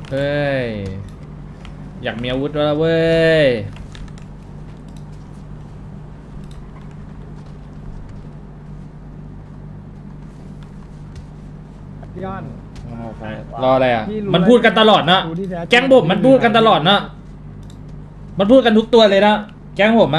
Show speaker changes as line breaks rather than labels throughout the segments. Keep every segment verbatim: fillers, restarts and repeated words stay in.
เฮ้ยอยากมีอาวุธแล้วเว้ย
ย้อน
รออะไรอ่ะ
พี่รู้
มันพูดกันตลอดนะ
รู้ที่แท้จริง
แก๊งผมมันพูดกันตลอดนะมันพูดกันทุกตัวเลยนะแก๊งผมอะ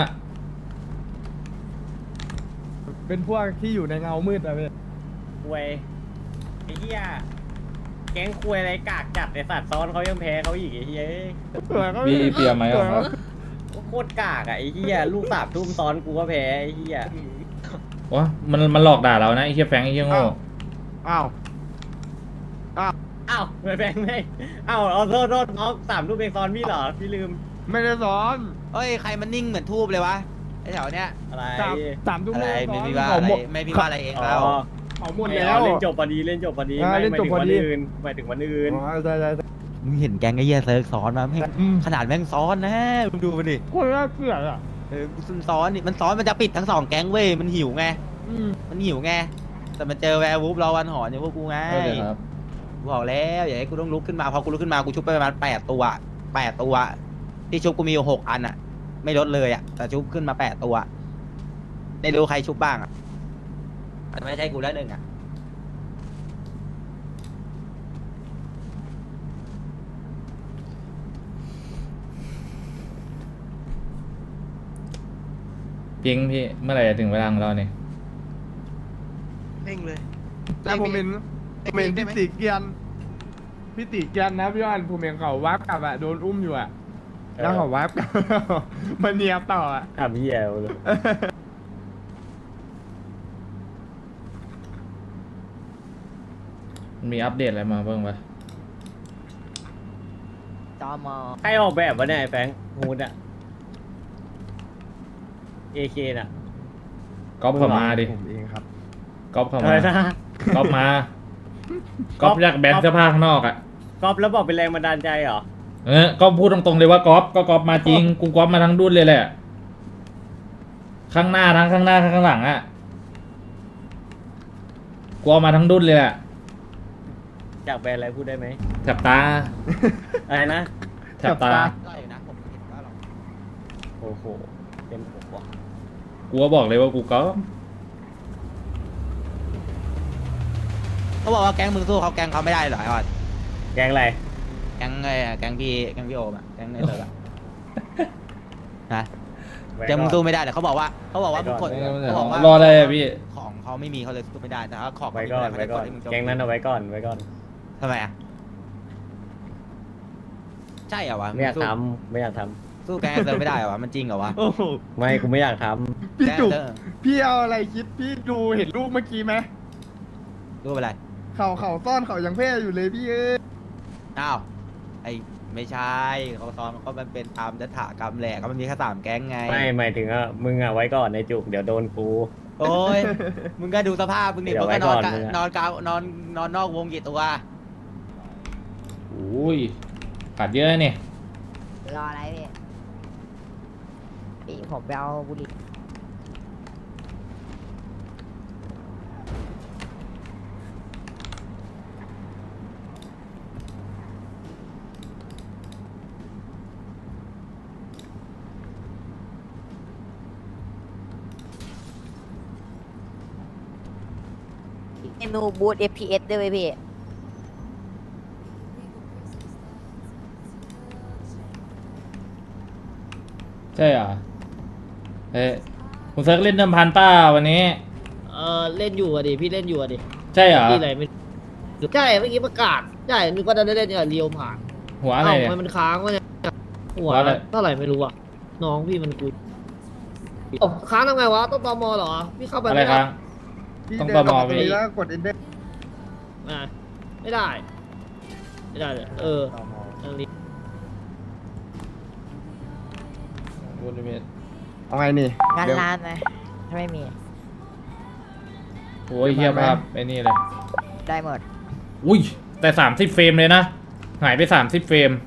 เป็นพวกที่อยู่ในเงามืดอะเว้ย
คุยไอ้เหี้ยแก๊งคุยอะไรกากจัดไอ้สัตว์ซ้อนเขายังแพ้เขาอีกไอ้เหี้ย
มีเปียไหมอ่ะ
โคตรกากอ่ะไอ้เหี้ยลูกสาบทุ่มซ้อนกูก็แพ้ไอ้เหี้ยว
ะมันมันหลอกด่าเรานะไอ้เหี้ยแฟงไอ้เหี้ยโง่
อ้าว
อ้าวไม่แพ้ไม่อ้าวเอาโทษโทษน้องสามลูกเองซ้อนพี่เหรอพี่ลืม
ไม่ได้สอน
เฮ้ยใครมันนิ่งเหมือนทูบเลยวะไอ้แถวเนี้ย
อะไร
สามสามทุ่ม
อะไร
ส
ไม่
อน
พี่ว่า
เขา
อะไร
หมด
ไม่พี่ว่าอะไรเอง
อ๋
เรา
อ
เขาหมด
ไม่
แล้ว
เอาเล่นจบพอดีเล่นจบพอดี
อ่า
ไม่
เล่น
หมาย
จบ
ถึง
พอ
วัน
ดี
อื่นหมายถึงวันอื่น
อ๋อใช่ใช่ใช่
มึงเห็นแก๊งไอ้เหี้ยเซิร์ฟซ้อนมาแม่ง
อืม
ขนาดแม่งซ้อนนะมึงดูมันดิ
คนน่าเกลียดอ่ะ
เออมันซ้อนนี่มันซ้อนมันจะปิดทั้งสองแก๊งเว้ยมันหิวไง
อืม
มันหิวไงแต่มันเจอแวร์วูฟรอวันหอนอย่างพวกกูไง
เออเดี๋ยวครับ
กูบอกแล้วอย่าให้กูต้องลุกขึ้นมาพอกูลุกขึ้นมากูชุบไปประมาณแปดตัวแปดตัว ที่ชุบกูมีอยู่หกอันอะไม่ลดเลยอะแต่ชุบขึ้นมาแปดตัวได้รู้ใครชุบบ้างอะแต่ไม่ใช่กูแล้วหนึ่งอะ
จริงพี่เมื่อไหร่จะถึงเวลาของเราเนี่ย
เร่งเลย
แต่ผมเห็นผมเห็นพี่ติเกียนพี่ติเกียนนะพี่ย้อนผมเห็นเขาวับกลับอ่ะโดนอุ้มอยู่อ่ะแล้วเขาวับกลับ มาเนียบต่ออ่ะ
ทำเหี้ยเลย
มันมีอัปเดตอะไรมาบ้างปะ
จอมอ
ใครออกแบบวะเนี่ยไอ้แฟงฮูดอะเอเคน่ะ
ก๊อปเข้ามาดิ
ผมเองครับ
ก๊อปเข้า
อะไร
มา
นะ
ก๊อปมาก๊อปจากแบรนด์เสื้อผ้าข้างนอกอ่ะ
ก๊อฟแล้วบอกเป็นแรงบันดาลใจเหรอ
เออก็พูดตรงๆเลยว่าก๊อปก็ก๊อปมาจริงกูก๊อปมาทั้งดุนเลยแหละข้างหน้าทั้งข้างหน้าข้างหลังอ่ะกูเอามาทั้งดุนเลยแหละ
จากแบรนด์อะไรพูดได้ไหม
แถบตา
อะไรนะ
แถบตา
ได้อยู่นะผมเห็นว่าหรอก
โอ้โหเป็นผมว่ะ
กูก็บอกเลยว่ากูก๊อป
เขาบอกว่าแก๊งมึงสู้เขาแก๊งเขาไม่ได้เหรอไอ้ออด
แกงอะไร
แก๊งไอ้แก๊งพี่แก๊งพี่โอมอะแก๊งในเซิร์ฟอะนะแก๊งมึงสู้ไม่ได้แต่เขาบอกว่าเขาบอกว่ามึงกดเขาบอกว่าร
ออะไรอะพี่
ของเขาไม่มีเขาเลยสู้ไม่ได้แต่ถ้าของ
ไว้ก่อนไว้ก่อนแกงนั้นเอาไว้ก่อนไว้ก่อน
ทำไมอะใช่เหรอวะ
ไม่อยาก
สู้
ทำไม่อยากท
สู้แก๊งในเซิร์ฟไม่ได้เหรอวะมันจริงเหรอวะ
โอ้โห
ำไม่กูไม่อยากท
พี่จุก
แก๊งในเซิร์ฟ
พี่เอาอะไรคิดพี่ดูเห็นรูปเมื่อกี้ไหม
รู้ไปไร
เขาเขาซ่อนเขายังเพ่อยู่เลยพี่เอ้ย
อ้าวไอ้ไม่ใช่เขาซ้อมเขามันเป็นตามยถากรรมแหละก็มันมีแค่สามแก๊งไง
ำไม่หมายถึงอ่ะมึงอ่ะไว้ก่อนในจุกเดี๋ยวโดนกู
โอ้ย มึงก็ดูสภาพมึงดิ
เดี๋
มึ
ยว
ง
ไว้
ก็นอน
ก่อน
กะ
มึงอะ
นอนกาวนอนนอนนอกวงกี่ตัว
อุ้ยขาดเยอะเนี่ย
รออะไรพี่พี่ผมไปเอาบุหรี่ เมนูบูท เอฟ พี เอส ด้วยไหมพี่
ใช่เหรอเฮ้ยคุณเซิร์กเล่นเดิมพันป้าวันนี้
เออเล่นอยู่อะดิพี่เล่นอยู่อะดิ
ใช่เหรอ
ที่ไหนไม่ใช่เมื่อกี้ประกาศใช่นึกว่าจะได้เล่นกับเรียวผ่าน
หัวอะไร
เอ้า
เนี่ย
ทำไมมันค้างวะเนี่ยหัว
หัวอะไร
เท่าไหร่ไม่รู้อะน้องพี่มันกูโอ้ค้างทำไงวะต้องตอมอเหรอพี่เข้าไป
อะไร
ไม่
ค
ได้
รับ
พี่
ต้อง
เดิน
ประ
กลับ
มอ
มา
ไป
ตรงนี้แล้วกดเอ็นเด
อ่ะไม่ได้ ไม่ได้เลยเออทางนี้
บริเวณ
เอาไงนี่
งาน
เดี๋ยว
ร้านไหมถ้าไม่มี
โอ้ยเฮียภาพไอ้นี่เลย
ได้หมด
อุ้ยแต่สามสิบเฟรมเลยนะหายไปสามสิบเฟรม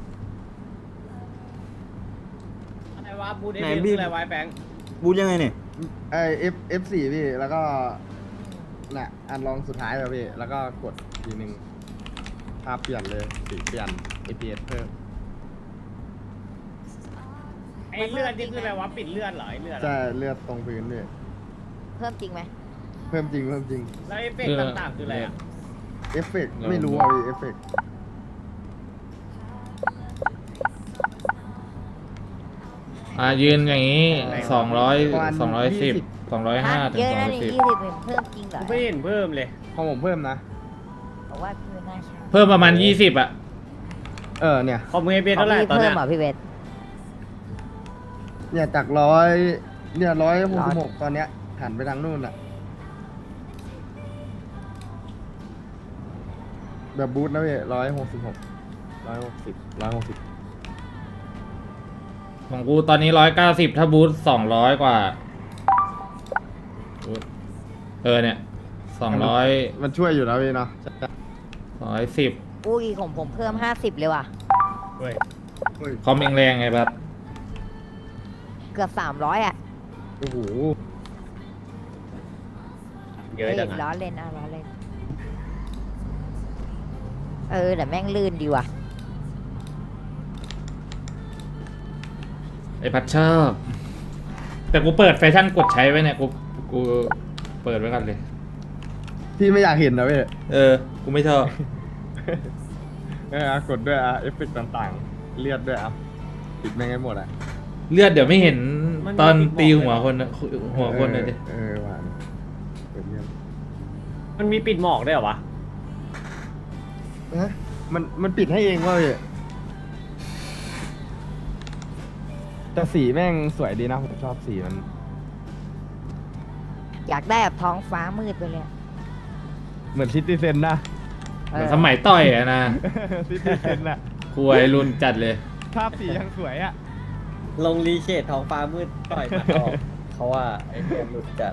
อะไรวะบูดเอ
ไหน
ฟ
พี่
อะไรไวะไอ้แฟง
บูทยังไงเนี่ย
ไอเอฟเอฟสี่พี่แล้วก็น่ะอันลองสุดท้ายแล้วพี่แล้วก็กดทีหนึ่งภาพเปลี่ยนเลยสีเปลี่ยน เอ พี เอส เพิ่ม
ไอ้เลือดนี่คืออะไรวะปิดเลือดเหรอไอ้เลือด
จะ
อะ
เลือดตรงพื้นพี่
เพิ่มจริงไหม
เพิ่มจริงเพิ่มจริง
แล้วเอฟเฟกต์ต่างๆคืออะไรอ่ะ
เอฟเฟกต์ไม่รู้อ่ะพี่เอฟเฟกต์
อ่ะยืนอย่างนี้สองร้อยสองร้อยสิบสองร้อยห้า
ฮะ
ถึง
เยอะ
สอง
นะ
ร้อย
นี่
สิบ
ยี่สิบเพิ่มจริงเหรอ
กูไม่เห็นเพิ่มเลย
ของผมเพิ่มนะ
บอกว่าพี่ไม่น่าใช่
เพิ่มประมาณยี่สิบอ่ะ
เออเนี่ย
คอมมือเบีย
ของ
เท่าไหร่
พี่
ตอน
เพิ่
เนี้
ม
ย
เหรอพี่เวท
เนี่ยจากร้อยเนี่ยร้อยหก
ร้
สิ
อบ ย
หกตอนเนี้ยหันไปทางนู่นอ่ะแบบบูทนะพี่ร้อยหกสิบหกร้อยหกสิบร้อยหกสิบ
ของกูตอนนี้ร้อยเก้าสิบถ้าบูทสองร้อยกว่าบูทเออเนี่ยสองร้อย
มันช่วยอยู่นะพี่เนาะ
สองร้อยสิบ
อุ้ยของผมเพิ่มห้าสิบเลยว่ะ
เว้ย
คอมเองแรงไงบัด
เกือบสามร้อยอ่ะ
โอ้โห
เยอะจัง
ล้
อะ
อเล่นอ่ะล้อเล่น เออแต่แม่งลื่นดีว่ะ
ไอพัดชอบแต่กูเปิดแฟชั่นกดใช้ไว้เนี่ยกูกูเปิดไว้กันเลย
พี่ไม่อยากเห็นนะพี่
เออ กูไม่ชอบ
เอออ่ะกดด้วยอ่ะเอฟเฟกต์ต่างๆ เลือดด้วยอ่ะปิดแม่งให้หมดอ่ะ
เลือดเดี๋ยวไม่เห็นตอนตีหัวคนนะหัวคนเลยดิ
เออหวานเปิดเลือด
มันมีปิดหมอกด้วยเหรอวะ
ฮะมันมันปิดให้เองว่าพี่แต่สีแม่งสวยดีนะผมชอบสีมัน
อยากได้แบบท้องฟ้ามืดไปเลยอะ
เหมือนซิติเซนนะ
เหมือนสมัยต่อยอะนะ
ซิติเซนอะ
คุยรุ่นจัดเลย
ภาพสียังสวยอะ
ลงรีเชดท้องฟ้ามืดต่อยมาออกเขาว่าไอ้เพื่อนหลุดจัด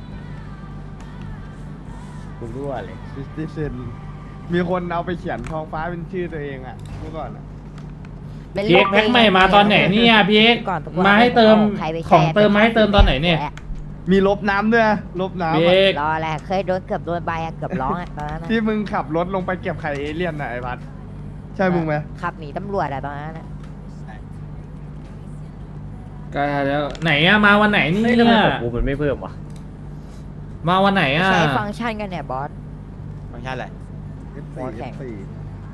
กูรั่วเลย
ซิติเซนมีคนเอาไปเขียนท้องฟ้าเป็นชื่อตัวเองอะเมื่อก่อนอะ
เป็น
พีเอ็กซ์แพ็คใหม่มาตอนไหนเนี่ยพีเอ็กซ์
ก่อนทุกวัน
มาให้เติม
ใครไปแชร์
ของเติมมาให้เติมตอนไหนเนี่ย
มีลบน้ำด้วยนะลบน้ำ
พี
อะ
เอ็กซ์
รอแหละเคยโดนเกือบโดนใบอะเกือบร้องอะตอนนั้นอะ
ที่มึงขับรถลงไปเก็บไข่เอเลี่ยนน่ะไอ้พัดใช่มึงไหม
ขับหนีตำรวจอะตอนนั้นอะ
ก็แล้วไหนอะมาวันไหนเนี่
เฮ้ย
ย
ทำไมของกูมันไม่เพิ่มวะ
มาวันไหนอะ
ใช้ฟังก์ชันกันเนี่ยบอส
ฟังก์ชันอะไร
หัวแข็ง
เอฟสี่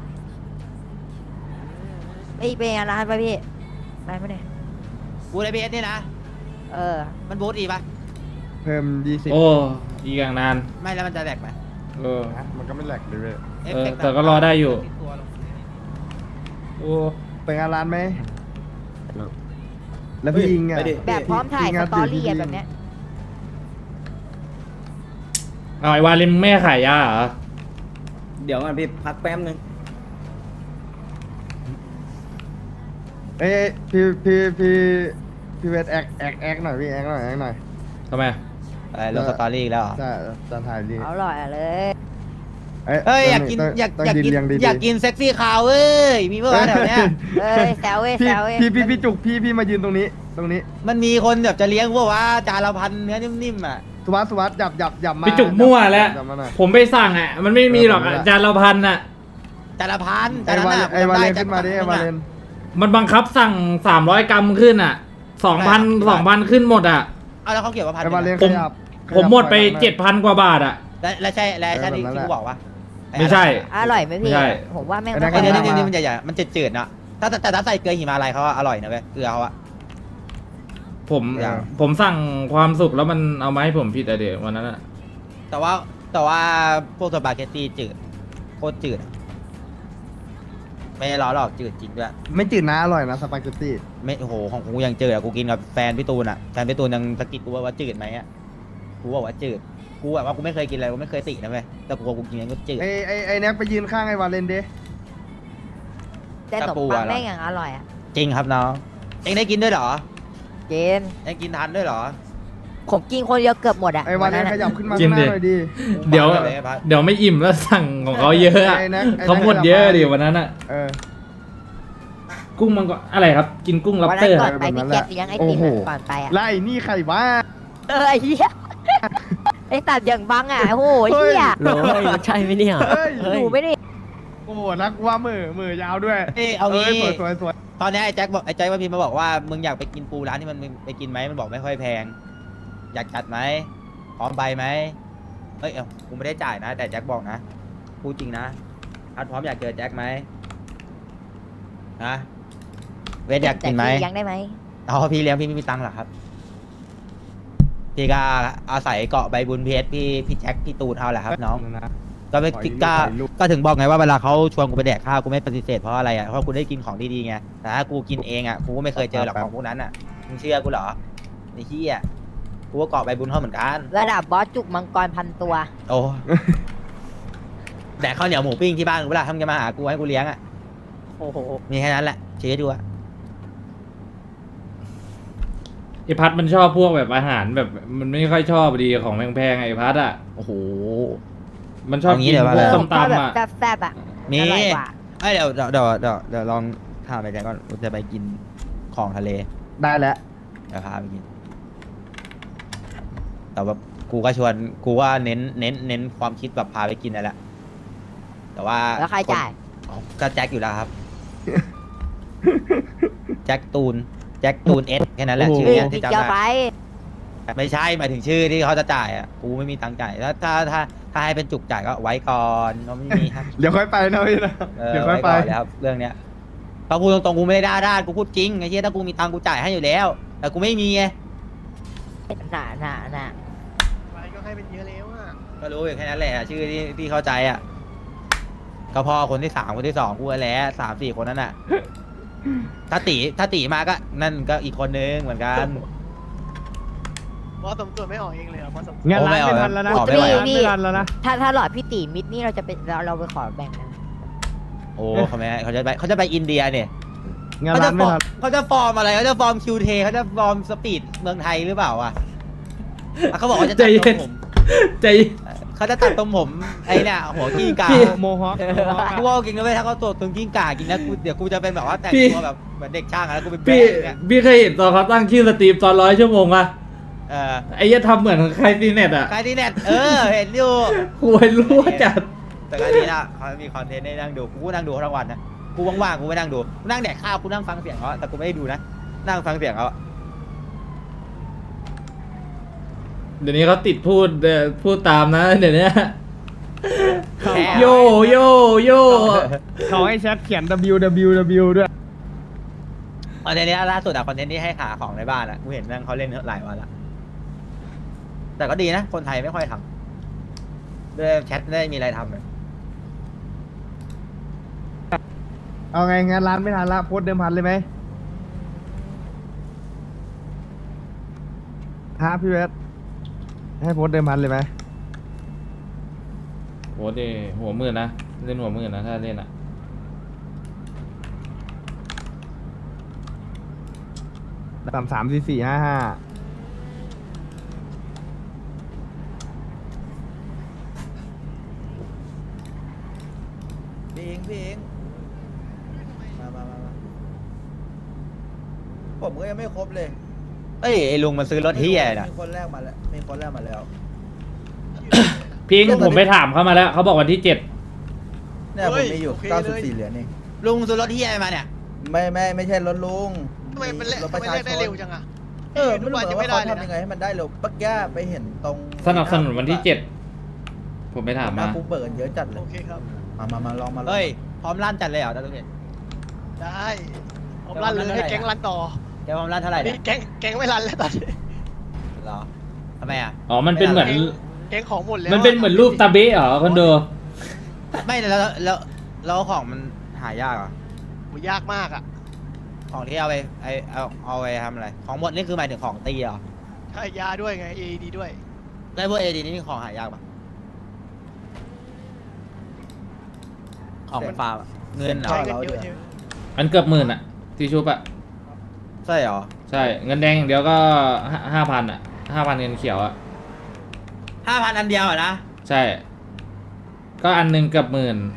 ไอ้ยเป็นอะไรไปะพี่ไปไหมเนี่ย
บูทไอพีเอสนี่นะ
เออ
มันบูทอีกปะ
เพิ่มยี่สิบ
โอ้อีกอย่างนาน
ไม่แล้วมันจะแหลกไหม
เออ
นะมันก็ไม่แหลกเลยเว้ย
เอฟเฟกต์
แต่ก็รอได้อยู่
ติตัวลง
โอ้
ไปงานร้านไหมแล้วพี่ยิงอ่ะ
แบบพร้อมถ่าย
พี่
ส
งัด
ตอรี่
พี่
อะ
ยิง
แบบเนี้ย
เอาไอ้วาเลนแม่ขายยาเหรอ
เดี๋ยวก่อนพี่พักแป๊บนึง
เอ้ยพี่พี่พี่พี่เวทแอคแอคแอคหน่อยพี่แอคหน่อยแอคหน่อย
ทำไม
อะไรลงสตอรี่อีกแล้วเหรอ
จะจะถ่ายดี
เอาหล่อยอะเลย
เอ้ยอยากกิน
ต้ง
อยาก
ต้อง
อยาก
ยืน
กิน
เรียงดีๆ
อยากกินเซ็กซี่คาวเว้ยมีเมื่อวานแถวเนี้ย
เอ้ยแซวเว้ย
พี่
แซวเว้ย
พี่พี่พี่จุกพี่พี่มายืนตรงนี้ ตรงนี้
มันมีคนแบบจะเลี้ยงพวกว่าจานละพันเนื้อนิ่มๆอ่ะ
สุวัสดิ์สุวัสดิ์หยับหยับหยับมา
ไปจุกมั่วแล้ว
หยับมาหน่อย
ผมไปสั่งอ่ะ มันไม่มีหรอกอะ
เออผมรู้ละ
จานละพันอ่ะ
จานละพัน
ไอ้
จานละ
วาเล
น่ะ
นไอ้วาเลน
จ
ขึ้นมาดิไอ้วาเลน
มันบังคับสั่งสามร้อยกรัมขึ้นอ่ะสองพันสองพันขึ้นหมดอ่ะ
เอาแล้วเขาเกี่ยวกับพัน
ไอ้วาเลน
ผ
ข
ม
ยับ
ผมหมดไป
ขยับ
เจ็ดพันกว่าบาทอ่ะ
แล้วแล้วใช่แล้วใช่ที่
เออแบบนั้น
ที่
แหละ
กูบอกว่า
ไม่ใช่
อร่อยไหมพี่
ใช่
ผมว่าแม่ง
ไอ้นั่น
ไอ้
ไม่
เดี๋ยว
ค่อย
นี่
อร่อย
นี่มันจะใหญ่มันจะจืดๆเนาะถ้าแต่แต่ถ้าใส่เกลือหิมาลัยเขาอะอร่อยนะเว้ยเกลือเขาอะ
ผม
อย่าง
ผมสั่งความสุขแล้วมันเอามาให้ผมผิดอะเดี๋ยววันนั้นอ่ะ
แต่ว่าแต่ว่าพวกสปาเกตตี้จืดโคตรจืดอะไม่ได้ล้อหรอกจืดจริงด้วย
ไม่จืดนะอร่อยนะสปาเกตตี้
ไม่โอ้โหของกูยังจืดอะกูกินกับแฟนพี่ตูนอะแฟนพี่ตูนยังสะกิดกูว่าว่าจืดไหมอะกูบอกว่าจืดกูแบบว่ากูไม่เคยกินอะไรกูไม่เคยตินะเว้ยแต่กูกูกินมันก็จืด
ไอ้ไอ้ไอ้แน็กไปยืนข้างไอ้วาเลนเด้
แต่ขนมปังแม่งอย่างอร่อยอะ
จริงครับน้องเองได้กินด้วยเหรอ
เจน
เองกินทานด้วยเหรอ
ผมกินคนเดียวเกือบหมดอะ
ไอ้วาเลนขยับขึ้นมา
กิ
ข้าน งห
ดิ
น้าหน่อยดิ
เดี๋ยว
กูมาลพัด
เดี๋ยวไม่อิ่มแล้วสั่งของเขาเยอะอะ
ไอ้แน็กไอ้แน็ก
เขาหมดเยอะดิวันนั้นอ่ะ
เออ
กุ้งมันก็อะไรครับ กินกุ้งล็อบ
วัน
สเต
นั้
อน ร์
ก่อนไปพี่แจ็คเลี้ยงไอติม
โอ้โห
อะก่อนไปอะ
ไล่นี่ใครวะ
เออไอ้เหี้ยไอ้สัตว์อย่างบังอ่ะโอ้โหไอ้เหี้ย
โอ้ยมันใช่ไหมเนี่ย
เฮ้ย
หนูไม่ได้
โอ้โหนักว่ามือมือยาวด้วย
เอ้ยเอางี้
สวยสวยสวย
ตอนนี้ไอ้แจ็คบอกไอ้แจ็คว่าพิมพ์มาบอกว่ามึงอยากไปกินปูร้านที่มันมึงไปกินไหมมันบอกไม่ค่อยแพง อยากจัดไหมพร้อมไปไหมเอ้ยเอ้ากูไม่ได้จ่ายนะ แต่แจ็คบอกนะพูดจริงนะพัดพร้อมอยากเจอแจ็คไหมนะเวทอยากกินไหม
แต่พี่เลี้ยังได้ไหม
อ๋อพี่เลี้ยงพี่ไม่มีตังค์หรอครับพี่ก็อาศัยเกาะใบบุญเพชรพี่พี่แจ็คพี่ตูนเอาแหละครับน้อง
นะ
ก็ไม่
ขออีก
ก็
ขออีกลูก
ก็ถึงบอกไงว่าเวลาเขาชวนกูไปแดกข้าวกูไม่ปฏิเสธเพราะอะไรอ่ะเพราะกูได้กินของดีๆไงแต่ถ้ากูกินเองอ่ะกูก็ไม่เคยเจอหรอกของพวกนั้นอ่ะมึงเชื่อกูเหรอไอ้เหี้ยกูก็เกาะใบบุญเขาเหมือนกัน
ระดับบอสจุกมังกรพันตัว
โอ้แดกข้าวเหนียวหมูปิ้งที่บ้านกูเวลาทำจะมาหากูให้กูเลี้ยงอ่ะ
โอ้โห
มีแค่นั้นแหละเชื่อดูอ่ะ
ไอพัดมันชอบพวกแบบอาหารแบบมันไม่ค่อยชอบดีของแพงๆไอพัดอ่ะ
โอ้โห
มันชอบ
เอางี้
กิน
เดี๋ยว
พวก
ว่า
ส้ม
ชอบ
ตำ
แบบ
อ่ะ
แซ่บๆอ่ะ
มี
อร่อยกว่า
เอ้ยเดี๋ยวเดี๋ยวเดี๋ยวเดี๋ยวเดี๋ยวลองถามไปแจ็คก่อนกูจะไปกินของทะเล
ได้แล้ว
เดี๋ยวพาไปกิน แต่ว่ากูก็ชวนกูว่าเน้นเน้นเน้นความคิดแบบพาไปกินนั่นแหละ แต่ว่า
แล้วใครจ่าย
อ๋อก็แจ็คอยู่แล้วครับ แจ็คตูน แจ็คตูนเอสแค่นั้นแหละ
โอ้โห
ชื่อ
พี่
เนี้ย
พี่
ที่จำ
เจ้าไป
ได้ไม่ใช่หมายถึงชื่อที่เขาจะจ่ายอ่ะ กูไม่มีตังค์จ่ายแล้วถ้าถ้าถ้าให้เป็นจุกจ่ายก็ไว้ก่อนเราไม่มีครับ
เดี๋ยวค่อยไปนะพี่นะ
เออ
เดี๋ยวค่อย
ไว้
ไป
ก่อนเลยครับเรื่องเนี้ยพอพูดตรงๆกูไม่ได้ด้าด้านกูพูดจริงไอ้เชี่ยถ้ากูมีตังค์กูจ่ายให้อยู่แล้ว แต่กูไม่มีไง
หนาหนาหนา
ไปก็ให้เป็นเยอะแล้วอ่ะ
ก็รู้อยู่แค่นั้นแหละชื่อที่ที่เข้าใจอ่ะก็พอคนที่สามคนที่สองกูแหล้วสามสี่คนนั้นอ่ะ ถ้าตีถ้าตีมาก็นั่นก็อีกคนนึงเหมือนกัน
บอสสมตัวไม่ออกเองเลยเหรอบอสสม
งานร้านไม่ทันแล้วนะ
ออกไม่ไหว
ร้านไม่ทันแล้วนะ
ถ้าถ้าหลอดพี่ตีมิดนี่เราจะเป็นเราเราไปขอแบ่งนะ
โอ้เขาไม่ให้เขาจะไปเขาจะไปอินเดียเนี่ย
งาน
เขา
ร้า
จะ
น
ฟ
ไม่
อร์
ทั
ม
น
เขาจะฟอร์มอะไรเขาจะฟอร์มคิวเทเขาจะฟอร์มสปีดเมืองไทยหรือเปล่าอ่ะอ่ะเขาบอกว่าจะตัดตรงผม
ใจ
เขาจะตัดตรงผมไอ้เนี่ยหัวกิ้งก่า
โมฮอค
กูว่าจริงนะเว้ยถ้าเขาตัวตรงกิ้งก่ากินนะกูเดี๋ยวกูจะเป็นแบบว่าแต่ง
พี่
ตัวแบบเหมือนเด็กช่างอะแล้วกูเป็น
พี่
แบ๊ะอย่างเงี้ย
พี่เคยเห็นตอนเขาตั้งชื่อสตรีมตอนร้อยชั่วโมงอะ
เออ
ไอ้เหี้ยทำเหมือนใครซีเน็ตอะ
ใครที่เน็ตเออเห็นอยู่
หวยรั่วจัด
แต่การนี้นะเขามีคอนเทนต์ให้นั่งดูกูก็นั่งดูเขาทั้งวันนะกูว่างๆกูไม่นั่งดูกูนั่งแดกข้าวกูนั่งฟังเสียงเขาแต่กูไม่ได้ดูนะนั่งฟังเสียงเขา
เดี๋ยวนี้เขาติดพูดเอ่อพูดตามนะเดี๋ยวนี้
แค่
โยโยโย
เขาให้แชทเขียน W W W ด้วย
คอนเทนต์นี้ล่าสุดอะคอนเทนต์ที่ให้หาของในบ้านอะกูเห็นนั่งเขาเล่นหลายวันละแต่ก็ดีนะคนไทยไม่ค่อยทำด้วยแชทไม่ได้มีอะไรทำเลย
เอาไงงานร้านไม่ทันละโพสต์เดิมพันเลยไหมฮะพี่เวสให้โพสต์เดิมพันเลยไหม
โหเดหัวมือนะเล่นหัวมือนะถ้าเล่นอะ
สามสามสี่สี่ห้าห้า
พี่เองพี่เองมามามามาผมก็ยังไม่ครบเลย
เอ้ยไอ้ลุงมันซื้อรถเฮียน่ะ
มีคนแรกมาแล้วมีคนแรกมาแล้ว
พิงค์ผมไปถามเขามาแล้วเขาบอกวันที่เจ็ด
เนี่ยผมมีอยู่เก้าสิบสี่เหรียญเอง
ลุงซื้อรถเฮียมาเนี่ย
ไม่ไม่ไม่ใช่รถลุง
ทำไมมันเละ
รถ
ทำ
ประ
ไม
ชา
เละ
ช
ได้
น
เร็วจังอ่ะ
เออไม่รู้
วัน
เหมื
ยั
อง น
ไม่
ว่า
ได้
เขา
เลย
ทำยังไง
นะ
ให้มันได้เร็วปักย่าไปเห็นตรง
สนับสนุนวันที่เจ็ดผมไปถาม
หน้า
มา
คุกเบิร์นเยอะจัดเล
โอย เคครับ
มามามาลองมาลอง
เฮ้ยพร้อมลั่นจัดเลยเหรอตาลุงเห็น
ได้ผมรันเลยให้แก๊งรันต่อ
แกพร้อมลั่นเท่าไหร่
นี่
เนี่ย
แก๊งแก๊งไม่รันแล้วตอนนี้
เหรอทำไมอ่ะ
อ๋อมันเป็นเหมือน
แก๊งของหมดแล้ว
มันเป็นเหมือนรูปตาเบ้เหรอคอนโด
ไม่แล้วแล้วแล้วของมันหายากเหรอ
โหยากมากอ่ะ
ของที่เอาไปไอเอาเอาไปทำอะไรของหมดนี่คือหมายถึงของตีเหรอ
ใช่ยาด้วยไง เอ ดี ด้วย
ได้พวกเอดีนี่ของหายากปะของเป็นฟาร์มอะเงินเหรอ
ใช้เงินเยอะใช่ไหม
มันเกือบหมื่นอะที่ชุบอะ
ใช่เหรอ
ใช่เงินแดงอย่างเดียวก็ห้าพันอะห้าพันเงินเขียวอะ
ห้าพันอันเดียวอะนะ
ใช่ ก็อันหนึงเกือบหมื่น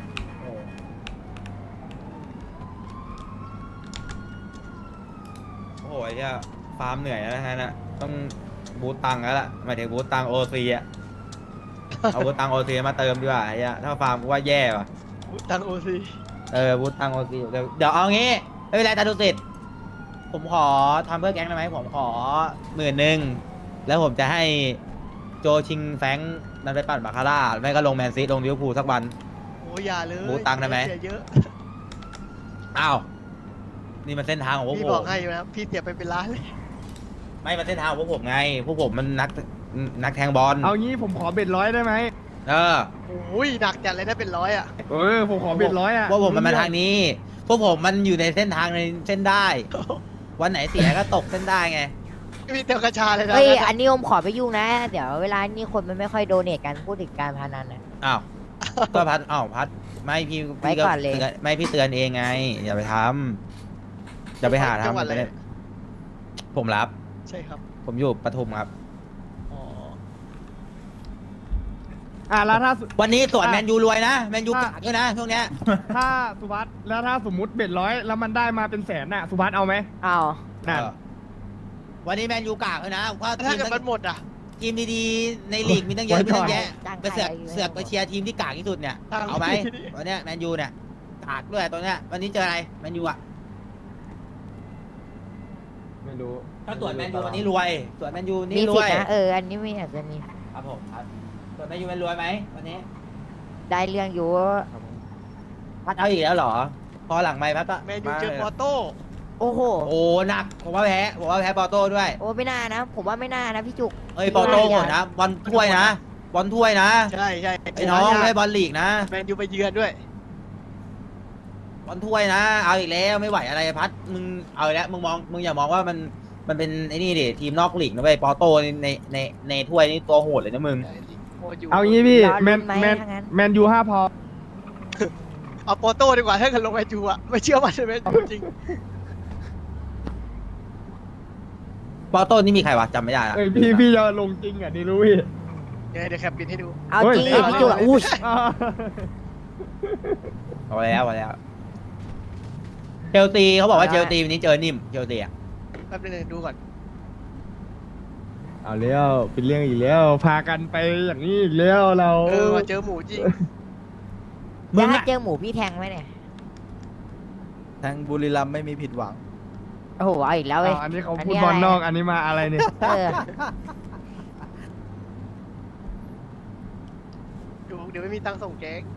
โอ้โหไอ้เหี้ยฟาร์มเหนื่อยนะฮะน่ะต้องบูตตังค์แล้วล่ะหมายถึงบูตตังโอซีอะเอาบูตตังโอซีมาเติมดีกว่าไอ้เหี้ยถ้าฟาร์มกูว่าแย่ว่ะ
ตังโอซี
เออบูตตังโอซีเดี๋ยวเดี๋ยวเอางี้ไม่เป็นไรตาดูสิทธิ์ผมขอทำเพื่อแก๊งได้ไหมผมขอหมื่นหนึ่งแล้วผมจะให้โจชิงแฟรงค์นั้นไปปั่นบาคาร่าไม่ก็ลงแมนซีลงลิเวอร์พูลสักวัน
โอ้ยอย่าเลย
หมูตังได้ไหม
เสียเยอะ
อ้าวนี่มันเส้นทางของพวก
พี่
ผ
บอก
ม
ให้อยู่นะพี่เสียไปเป็นล้านเลย
ไม่มันเส้นทางของพวกผมไงพวกผมมันนักนักแทงบอล
เอางี้ผมขอเบ็ดร้อยได้ไหม
เออ
โอ้ยหนักจัดเลยถ้าเป็นร้อยอ่ะ
เออผมขอเบ็ดร้อยอ่ะ
พวกผมมันมาทางนี้ พวกผมมันอยู่ในเส้นทางในเส้นได้ วันไหนเสียก็ตกเส้นได้ไง
มีเตียวกระชาเลยนะ
เฮ้ย อันนี้ผมขอไปยุ่งนะ เดี๋ยวเวลานี่คนมันไม่ค่อยโดเนทกันพูดถึงการพนันนะ
อ้าว ก็พัดอ้าวพัดไม่พี่
ไว้
พี่ก็
ก่อนเลย
ตืไม่พี่เตือนเองไง อย่าไปทำอย่าไปหา
จัง
ทำ
หวัดอะไร
ไปเลยผมรับ
ใช่ครับ
ผมอยู่ปทุมครับ
อ๋อ
อ่ะแล้วถ้าสุ
วันนี้สวน
อ่ะ
แมนยูรวยนะแมนยู
อ่ะ
กากด้วยนะช่วงเนี้ย
ถ้าสุวัสด์แล้วถ้าสมมติเบ็ดร้อยแล้วมันได้มาเป็นแสนน่ะสุวัสด์เอาไหม
เอา
นั่น
เออวันนี้แมนยูกากเลยนะว่า
ถ้า
ทีม
เกิด
ตั้
มัน
ง
หมดอ่ะ
ทีมดีๆในลีกมีตั้งเยอะ
ไว้
มี
ก่
ตั้
อน
งแยะ
จ้าง
ไปเสือก
ใครอยู่
เสือกไปเชียร์ทีมที่กากที่สุดเนี่ย
ทาง
เอาไหม
ที่ดี
วันเนี้ยแมนยูเนี่ยกากด้วยตัวเนี้ยวันนี้เจออะไรแมนยูอ่ะ
ไม่รู้
ถ้าตรวจแมนยูวันนี้รวยตรวจแมนยู
มี
นี่ร
สิท
วย
ธิ์นะ เออ อันนี้ไม่อาจจะมี
ครับผมครับตรวจแมนยูเป็นรวยไหมวันนี้
ได้เรื่องอยู่
พัดเอาอีกแล้วเหรอ พอหลังไม่พัดก็
แมนยูเจอปอร์โต้
โอ้โห
โอ้หนักผมว่าแพ้ผมว่าแพ้ปอโต้ด้วย
โอ้ไม่น่านะ ผมว่าไม่น่านะพี่จุก
เอ้ยปอโต้โหดนะบอลถ้วยนะบอลถ้วยนะ
ใช่ใช่
ไอ้น้องไม่บอลลีกนะ
แมนยูไปเยือนด้วย
บอลถ้วยนะ เอาอีกแล้วไม่ไหวอะไรพัดมึงเอาอีกแล้วมึงมองมึงอย่ามองว่ามันมันเป็นไอ้นี่ดิทีมนอกลีกนะเว้ยปอโต้ในในในในถ้วยนี่ตัวโหดเลยนะมึง
โหดอยู่
เอางี้พี่
รอลุ้น
แมน
ไหม
แมน
ถ้างั้น
แมนยูห้าพอ
เอาปอร์โต้ดีกว่าถ้าเกิดลงแมนยูอ่ะไม่เชื่อมันเลยแมนยูจริง
ปอโต้นี่มีใครวะจำไม่ได้ละ
เอ้ยพี่พี่จะลงจริงอ่ะนี่รู้พี่
เดี๋ยวเดี๋ยวแคปปินให้ดู
เอาจริง
เฮ้
ดิ
ย
พี่จุกอุ้ย
อ่า
เอาแล้วเอาแล้วเชลซีเขาบอกว่า
เอา
เช
ละ
ลซีวันนี้เจอนิ่มเชลซีอ่ะ
แป๊บนึงดูก่อน
เอาแล้วเป็นเรื่องอีกแล้วพากันไปอย่างนี้อีกแล้วเรา
เออมาเจอหมูจริง
มึง
ถ้า
อะ
เจอหมูพี่แทงไหมเนี่ย
ทางบุรีรัมย์ไม่มีผิดหวัง
โอ้โห เอาอีกแล้วเว้ย
อ่าอันนี้เขา
อัน
พู
นี้
ดบอล
อะไร
นอกอันนี้มาอะไรเนี่ย
เออ
ดูเดี๋ยวไม่มีตังค์ส่งแก๊ง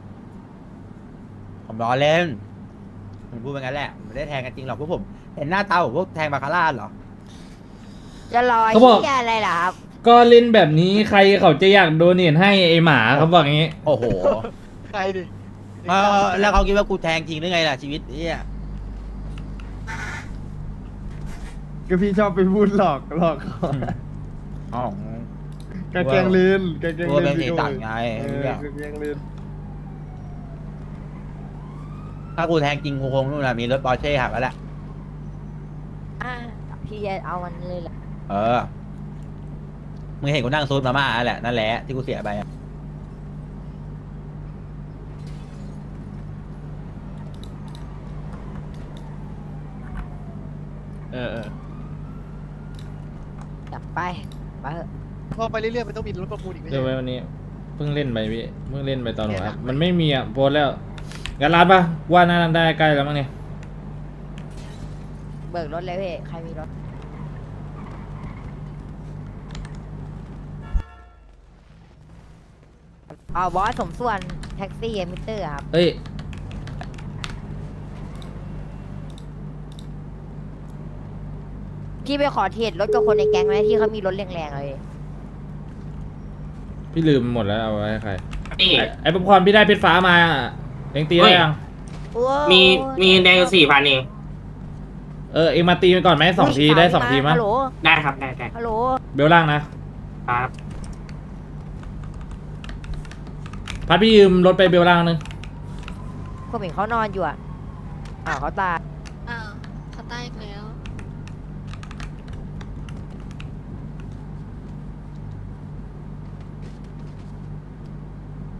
ผมล้อเล่นผมพูดไปงั้นแหละผมไม่ได้แทงกันจริงหรอกพวกผมเห็นหน้าตาผมพวกแทงบาคาร่าเหรอ
จะรอ
เขาบอก
เหียอะไรล่ะครับ
ก็เล่นแบบนี้ใครเขาจะอยากโดเนทให้ไอหมาเขาบอกอย่างนี้
โอ้โห
ใครดิ
เออแล้วเขาคิดว่ากูแทงจริงหรือไงล่ะชีวิตเนี่ย
ก็พี่ชอบไปพูดหลอกหลอกเขา
อ๋อก
ระเกงลืนกระเกง
กลัว
ลื
เป็น
น
สีตังไง
เออกระเกงลืน
ถ้ากูแทงจริงกูคงนู่นน่ะมีรถปอร์เช่ขับแล้วแหละ
อ่าพี่จะเอามันเลยเหรอ
เออมึงเห็นกูนั่งซูดมาม่าแหละนั่นแหละที่กูเสียไปอะ
เออเออ
จับไปไปเถอะ
พอไปเรื่อยๆมันต้องมีรถประมูลอีกไม่
เดี๋
ใช่
ยว
เหร
ไว้
อ
วันนี้เพิ่งเล่นไปพี่เพิ่งเล่นไปตอนหัว
เนี่ย
ครับ
นะ
มันไม่มีอ่ะโพสต์แล้วงั้นร้านปะว่าน่าได้ใกล้แล้วมั้งเนี่ย
เบิกรถเลยพี่ใครมีรถเอาบอสสมส่วนแท็กซี่มิเตอร์ครับ
เอ้ย
พี่ไปขอเทรดรถกับคนในแก๊งไหมที่เขามีรถแรงๆเลย
พี่ลืมหมดแล้วเอาไว้ให้ใครไอ้ไอ้ป๊อปคอร์นพี่ได้เพชรฟ้ามาเองตีได้ยัง
มี
มีแดงสี่พันเอง
เออเองมาตีมันก่อนไหมสองทีได้สองทีมั้ย
ฮัลโหล
ได้ครับ ได้ได้
ฮัลโหล
เบลล่างนะ
ครับ
พัดพี่ยืมรถไปเบลล่างนึง
ผมเห็นเขานอนอยู่อ่ะอ้าวเขาตาย
อ้าวเขาใต้อีกแล้ว